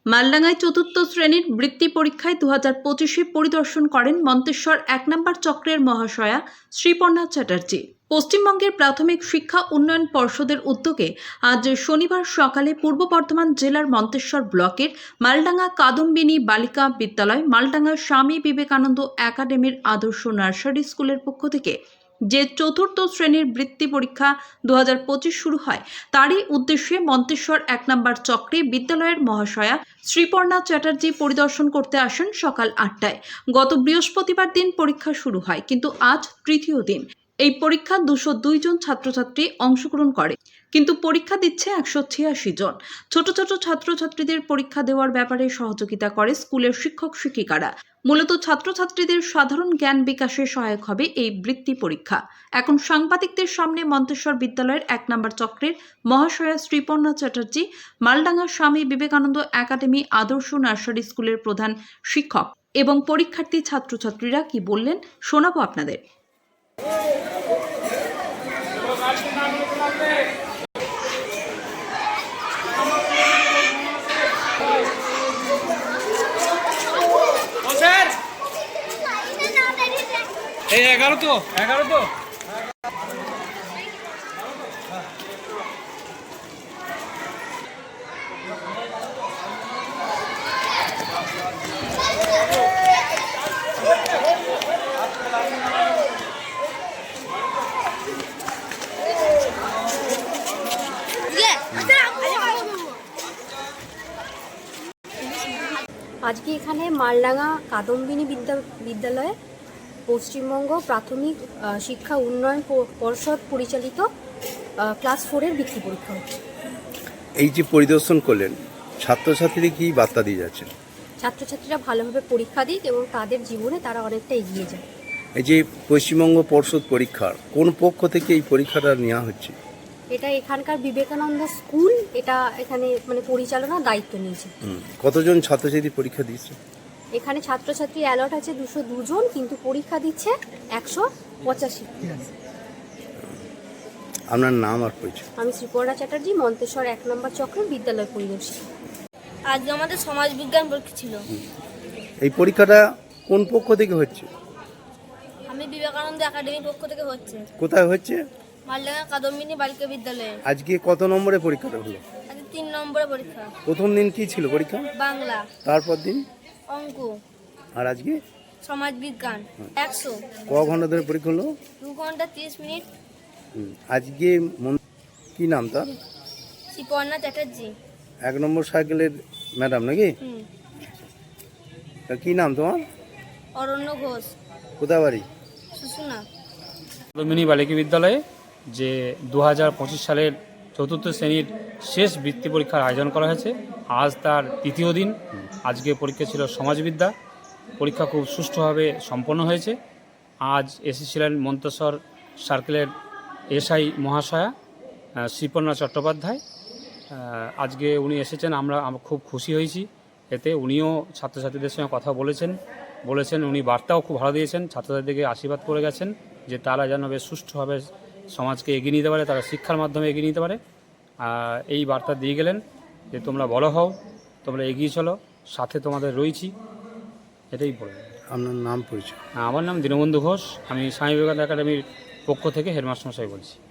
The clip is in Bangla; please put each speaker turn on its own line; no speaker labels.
মালডাঙ্গায় চতুর্থ শ্রেণীর বৃত্তি পরীক্ষায় 2025-এ পরিদর্শন করেন মন্তেশ্বর 1 নম্বর চক্রের মহাশয়া শ্রীপর্ণা চ্যাটার্জি। পশ্চিমবঙ্গের প্রাথমিক শিক্ষা উন্নয়ন পর্ষদের উদ্যোগে আজ শনিবার সকালে পূর্ব বর্ধমান জেলার মন্তেশ্বর ব্লকের মালডাঙ্গা কাদম্বিনী বালিকা বিদ্যালয়, মালডাঙ্গা স্বামী বিবেকানন্দ একাডেমির আদর্শ নার্সারি স্কুলের পক্ষ থেকে যে চতুর্থ শ্রেণীর বৃত্তি পরীক্ষা 2025 শুরু হয়, তারই উদ্দেশ্যে মন্তেশ্বর 1 নম্বর চক্রে বিদ্যালয়ের মহাশয়া শ্রীপর্ণা চ্যাটার্জি পরিদর্শন করতে আসেন সকাল 8টায়। গত বৃহস্পতিবার দিন পরীক্ষা শুরু হয়, কিন্তু আজ তৃতীয় দিন। এই পরীক্ষা 202 জন ছাত্রছাত্রী অংশগ্রহণ করে, কিন্তু পরীক্ষা দিচ্ছে 186 জন। ছোট ছোট ছাত্রছাত্রীদের পরীক্ষা দেওয়ার ব্যাপারে সহযোগিতা করে স্কুলের শিক্ষক শিক্ষিকারা। মূলত ছাত্রছাত্রীদের সাধারণ জ্ঞান বিকাশে সহায়ক হবে এই বৃত্তি পরীক্ষা। এখন সাংবাদিকদের সামনে মন্তেশ্বর বিদ্যালয়ের 1 নম্বর চক্রের মহাশয়া শ্রীপর্ণা চ্যাটার্জি, মালডাঙ্গা স্বামী বিবেকানন্দ একাডেমি আদর্শ নার্সারি স্কুলের প্রধান শিক্ষক এবং পরীক্ষার্থী ছাত্রছাত্রীরা কি বললেন শোনাবো আপনাদের।
এই 11 তো
আজকে এখানে মালডাঙ্গা কাদম্বিনী বিদ্যালয়ে পশ্চিমবঙ্গ প্রাথমিক শিক্ষা উন্নয়ন পর্ষদ পরিচালিত ক্লাস 4-এর বৃত্তি পরীক্ষা হচ্ছে।
এই যে পরিদর্শন করলেন, ছাত্রছাত্রীরা কি বার্তা দিয়ে যাচ্ছেন?
ছাত্রছাত্রীরা ভালোভাবে পরীক্ষা দিক এবং তাদের জীবনে তারা অনেকটা এগিয়ে যায়।
এই যে পশ্চিমবঙ্গ পর্ষদ পরীক্ষার কোন পক্ষ থেকে এই পরীক্ষাটা নেওয়া হচ্ছে?
এটা এখানকার বিবেকানন্দ স্কুল এখানে পরিচালনার দায়িত্ব নিয়েছে।
কতজন ছাত্রছাত্রী পরীক্ষা দিচ্ছে?
এখানে ছাত্রছাত্রী অ্যালট আছে 202 জন, কিন্তু পরীক্ষা দিচ্ছে 185।
আপনার নাম আর পরিচয়?
আমি শ্রীপর্ণা চ্যাটার্জি, মন্তেশ্বর 1 নম্বর চক্রের বিদ্যালয় পরিদর্শক।
আজকে আমাদের সমাজ বিজ্ঞান পরীক্ষা ছিল।
এই পরীক্ষাটা কোন পক্ষ থেকে হচ্ছে?
আমি বিবেকানন্দ একাডেমির পক্ষ থেকে হচ্ছে।
কোথায় হচ্ছে?
মালডাঙ্গা কাদম্বিনী বালিকা বিদ্যালয়ে।
আজকে কত নম্বরে পরীক্ষাটা হলো?
আজকে 3 নম্বরের পরীক্ষা।
প্রথম দিন কি ছিল পরীক্ষা?
বাংলা।
তারপর দিন
অঙ্ক।
আর আজকে
সমাজ বিজ্ঞান 100।
ক ঘন্টা ধরে পরীক্ষা হলো?
2 ঘন্টা 30 মিনিট।
আজকে কি নাম তার?
শ্রীপর্ণা চ্যাটার্জি।
1 নম্বর সাইকেলের ম্যাডাম নাকি? কি নাম তোমার?
অরণ্য ঘোষ।
কোথায় বাড়ি?
সুসুনা।
কাদম্বিনী বালিকা বিদ্যালয়ে যে 2025 সালের চতুর্থ শ্রেণীর শেষ বৃত্তি পরীক্ষার আয়োজন করা হয়েছে। আজ তার তৃতীয় দিন। আজকে পরীক্ষা ছিল সমাজবিদ্যা। পরীক্ষা খুব সুষ্ঠুভাবে সম্পন্ন হয়েছে। আজ এসেছিলেন মন্তেশ্বর সার্কেলের এসআই মহাশয়া শ্রীপর্ণা চট্টোপাধ্যায়। আজকে উনি এসেছেন, আমরা খুব খুশি হয়েছি এতে। উনিও ছাত্রছাত্রীদের সঙ্গে কথা বলেছেন উনি বার্তাও খুব ভালো দিয়েছেন। ছাত্রছাত্রীদেরকে আশীর্বাদ করে গেছেন যে তারা যেন বেশ সুষ্ঠুভাবে সমাজকে এগিয়ে নিতে পারে, তারা শিক্ষার মাধ্যমে এগিয়ে নিতে পারে। এই বার্তা দিয়ে গেলেন যে তোমরা বড় হও, তোমরা এগিয়ে চলো, সাথে তোমাদের রয়েছি, এটাই বলবেন।
আপনার নাম পরিচয়?
আমার নাম দীনবন্ধু ঘোষ। আমি স্বামী বিবেকানন্দ একাডেমির পক্ষ থেকে হেডমাস্টার মশাই বলছি।